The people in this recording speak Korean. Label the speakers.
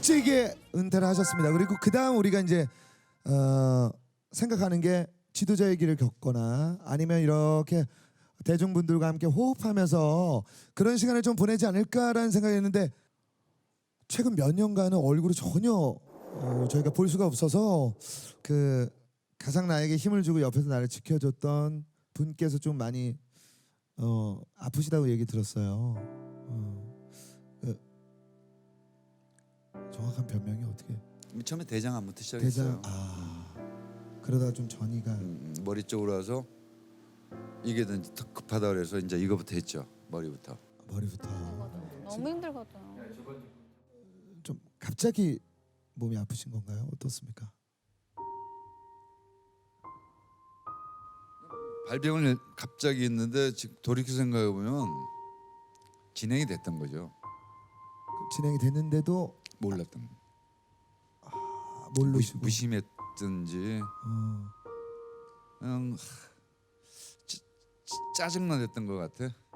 Speaker 1: 일찍이 은퇴를 하셨습니다. 그리고 그 다음 우리가 이제 생각하는 게 지도자의 길을 겪거나 아니면 이렇게 대중분들과 함께 호흡하면서 그런 시간을 좀 보내지 않을까라는 생각이었는데 최근 몇 년간은 얼굴을 전혀 저희가 볼 수가 없어서 그 가장 나에게 힘을 주고 옆에서 나를 지켜줬던 분께서 좀 많이 아프시다고 얘기 들었어요. 그 정확한 변명이 어떻게?
Speaker 2: 처음에 대장 안부터 시작했어요.
Speaker 1: 대장 그러다가 좀 전이가
Speaker 2: 머리 쪽으로 와서 이게 더 급하다 그래서 이제 이거부터 했죠. 머리부터.
Speaker 3: 너무 힘들거든.
Speaker 1: 좀 갑자기 몸이 아프신 건가요? 어떻습니까?
Speaker 2: 발병을 갑자기 했는데 지금 돌이켜 생각해 보면 진행이 됐던 거죠.
Speaker 1: 진행이 됐는데도
Speaker 2: 몰랐던.
Speaker 1: 모르시고
Speaker 2: 무심했든지 그냥 짜증만 했던 것 같아.